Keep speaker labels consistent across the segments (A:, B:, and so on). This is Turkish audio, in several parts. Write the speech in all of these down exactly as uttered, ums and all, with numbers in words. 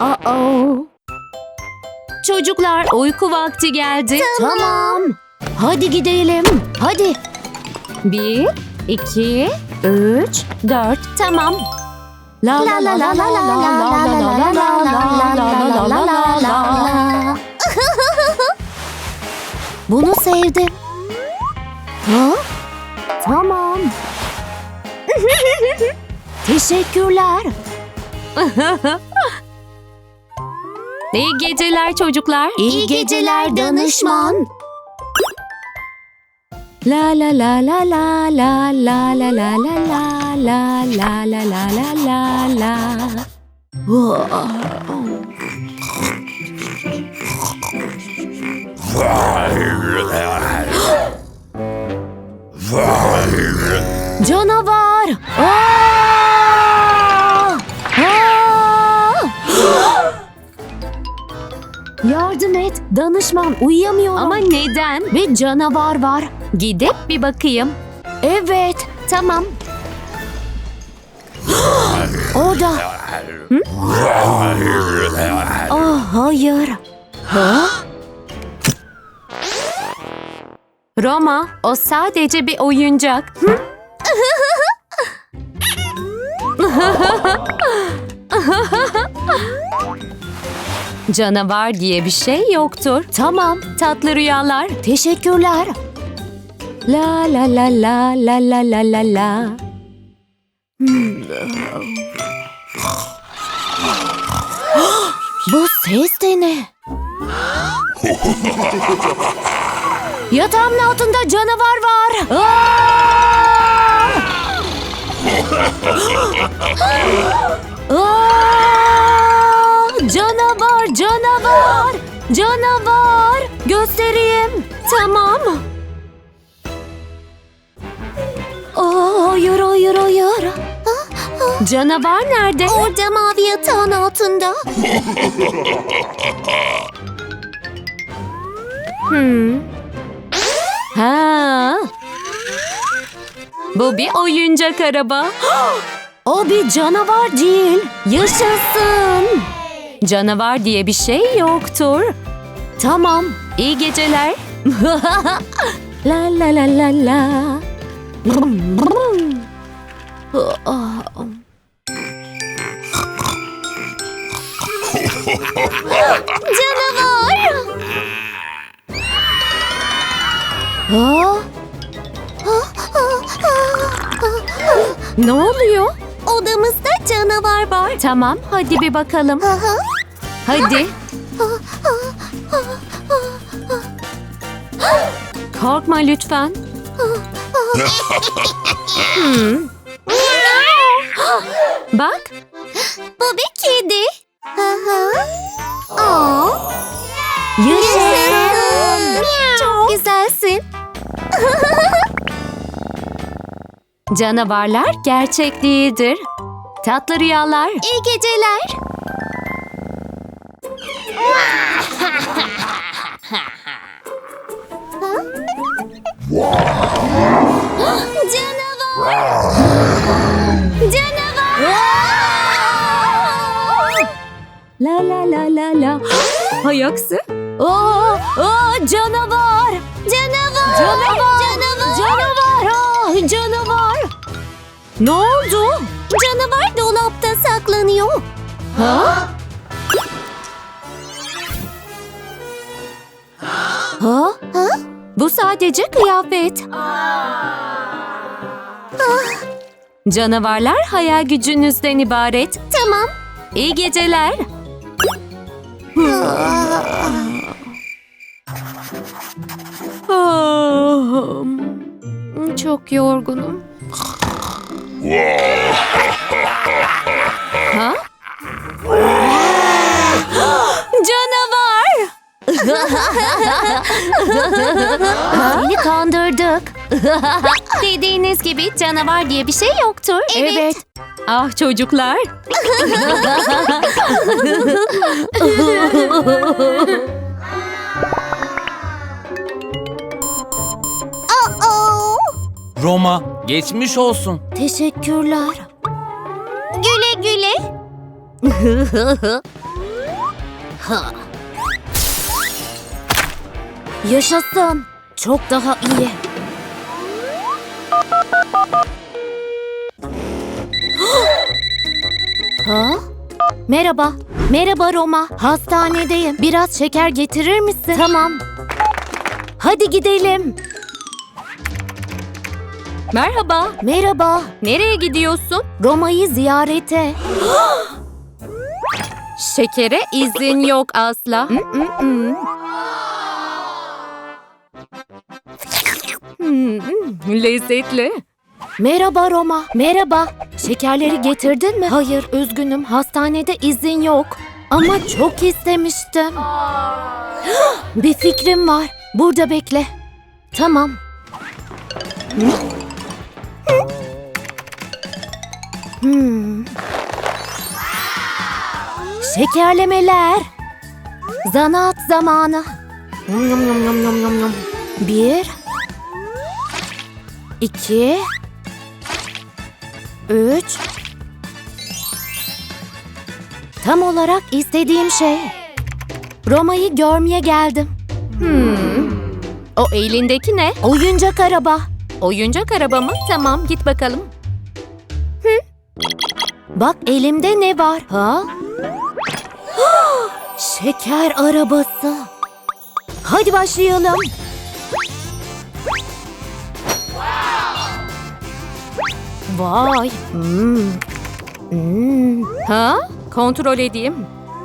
A: Uh-oh. Çocuklar, uyku vakti geldi.
B: Tamam.
A: Hadi gidelim. Hadi. Bir, iki, üç, dört. Tamam. La la la la la la la la la la la la la la la. Bunu sevdim. Ha? Tamam. Teşekkürler. İyi geceler çocuklar.
B: İyi geceler danışman.
A: La la la la la la la la la la la la la la la la la la. Canavar! Aa! Aa! Yardım et, danışman, uyuyamıyorum. Ama neden? Ve canavar var. Gidip bir bakayım. Evet, tamam. Orada. Hı? Oh, hayır. Ha? Roma, o sadece bir oyuncak. Hı? Canavar diye bir şey yoktur. Tamam, tatlı rüyalar. Teşekkürler. La la la la la la la la la. Bu ses de ne? Yatağımın altında canavar var. Aa! Aa! Canavar, canavar, canavar. Göstereyim. Tamam. Aa, hayır, hayır, hayır. Canavar nerede?
B: Orada mavi yatağın altında.
A: Hmm. Ha. Bu bir oyuncak araba. O bir canavar değil. Yaşasın. Canavar diye bir şey yoktur. Tamam. İyi geceler. La la la la la.
B: Canavar.
A: Ha? Ne oluyor?
B: Odamızda canavar var.
A: Tamam, hadi bir bakalım.
B: Aha.
A: Hadi. Korkma lütfen. Hmm. Bak.
B: Bu bir kedi. Aha. Aa.
A: Yaşasın.
B: Çok güzelsin.
A: Canavarlar gerçek değildir. Tatlı rüyalar.
B: İyi geceler. Canavar. Canavar.
A: La la la la la. Hay aksi. Oo, oo, canavar.
B: Canavar.
A: Canavar.
B: Canavar.
A: Canavar. Ah, canavar. Ne oldu?
B: Canavar dolapta saklanıyor.
A: Ha? Ha?
B: Ha?
A: Bu sadece kıyafet. Canavarlar hayal gücünüzden ibaret.
B: Tamam.
A: İyi geceler. Ah, çok yorgunum. Ha? Canavar! Seni kandırdık. Dediğiniz gibi canavar diye bir şey yoktur.
B: Evet.
A: Ah çocuklar.
B: Aa.
C: Roma, geçmiş olsun.
A: Teşekkürler.
B: Güle güle.
A: Yaşasın. Çok daha iyi. Ha? Merhaba. Merhaba Roma. Hastanedeyim. Biraz şeker getirir misin? Tamam. Hadi gidelim. Merhaba. Merhaba. Nereye gidiyorsun? Roma'yı ziyarete. Şekere izin yok asla. Mm-mm-mm. Hmm, lezzetli. Merhaba Roma. Merhaba. Şekerleri getirdin mi? Hayır, üzgünüm. Hastanede izin yok. Ama çok istemiştim. Bir fikrim var. Burada bekle. Tamam. Hmm. Şekerlemeler. Zanaat zamanı. Yum, yum, yum, yum, yum, yum, yum. Bir. İki. Üç. Tam olarak istediğim şey. Roma'yı görmeye geldim. Hmm. O elindeki ne? Oyuncak araba. Oyuncak araba mı? Tamam, git bakalım. Hı? Bak elimde ne var? Ha? Şeker arabası. Hadi başlayalım. Vay. Hmm. Hmm. Ha? Kontrol edeyim.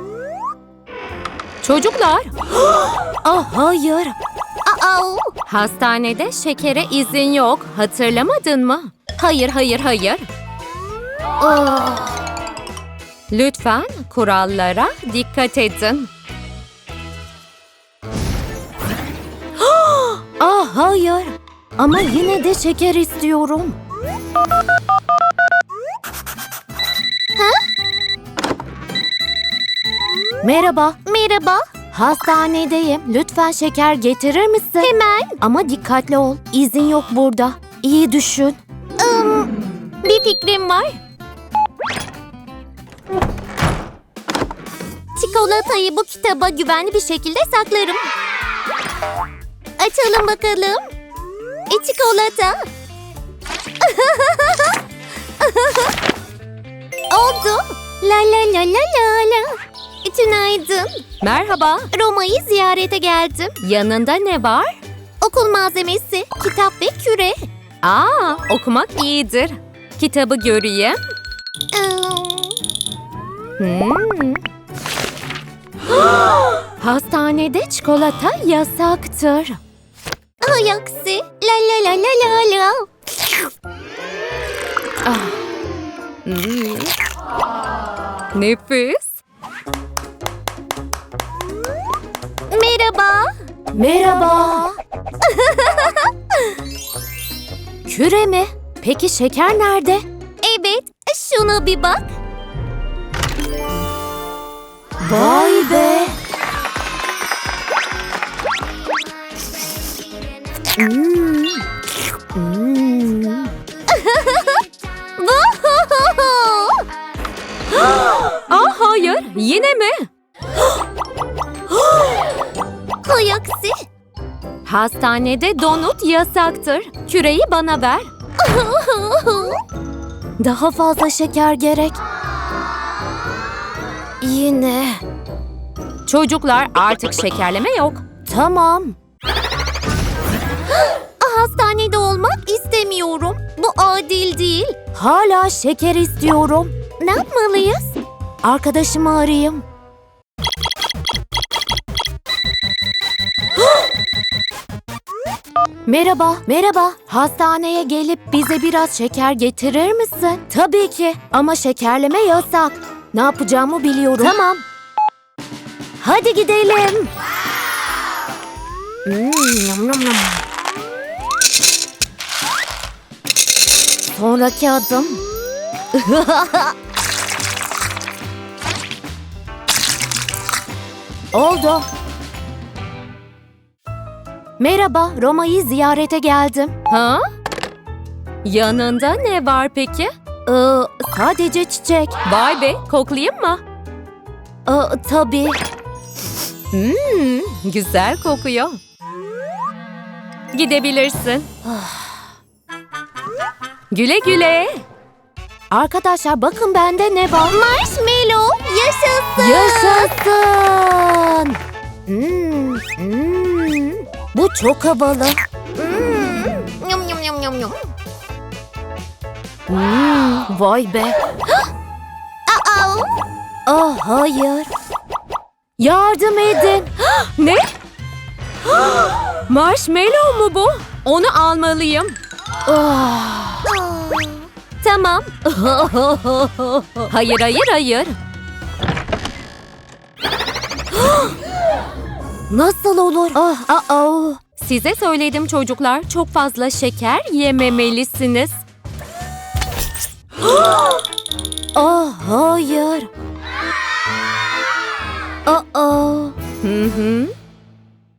A: Çocuklar. Ah hayır.
B: Aa,
A: Hastanede şekere izin yok. Hatırlamadın mı? Hayır, hayır, hayır.
B: aa.
A: Lütfen kurallara dikkat edin. Ah hayır. Ama yine de şeker istiyorum. Merhaba.
B: Merhaba.
A: Hastanedeyim. Lütfen şeker getirir misin?
B: Hemen.
A: Ama dikkatli ol. İzin yok burada. İyi düşün.
B: Im, bir fikrim var. Çikolatayı bu kitaba güvenli bir şekilde saklarım. Açalım bakalım. E çikolata. Oldu. La la la la la la. Tünaydın.
A: Merhaba.
B: Roma'yı ziyarete geldim.
A: Yanında ne var?
B: Okul malzemesi, kitap ve küre.
A: Aa, okumak iyidir. Kitabı göreyim.
B: Im,
A: Hmm. Hastanede çikolata yasaktır.
B: Hay aksi. La la la la la la.
A: Hmm. Nefis.
B: Merhaba.
A: Merhaba. Küre mi? Peki şeker nerede?
B: Evet, şuna bir bak.
A: Vay be. Hmm. Hmm. Ah hayır, yine mi?
B: Hay aksi.
A: Hastanede donut yasaktır. Küreyi bana ver. Daha fazla şeker gerek. Yine. Çocuklar artık şekerleme yok. Tamam.
B: Hastanede olmak istemiyorum. Bu adil değil.
A: Hala şeker istiyorum.
B: Ne yapmalıyız?
A: Arkadaşımı arayayım. Merhaba, merhaba. Hastaneye gelip bize biraz şeker getirir misin? Tabii ki ama şekerleme yasak. Ne yapacağımı biliyorum. Tamam. Hadi gidelim. Hmm, yum, yum, yum. Sonraki adım. Oldu. Merhaba, Roma'yı ziyarete geldim. Ha? Yanında ne var peki? Ee, sadece çiçek. Vay be, koklayayım mı? Ee, tabii. Hmm, güzel kokuyor. Gidebilirsin. Güle güle. Arkadaşlar bakın bende ne var?
B: Marshmallow yaşasın.
A: Yaşasın. Hmm, hmm. Bu çok havalı.
B: Hmm. Yum yum yum yum yum.
A: Hmm, vay be.
B: Aa.
A: Ah hayır. Yardım edin. Ne? Marshmallow mu bu? Onu almalıyım. Ah. Tamam. Hayır, hayır, hayır. Nasıl olur? Ah, ah, ah. Size söyledim çocuklar, çok fazla şeker yememelisiniz. Ah, hayır. Aa. Hı hı.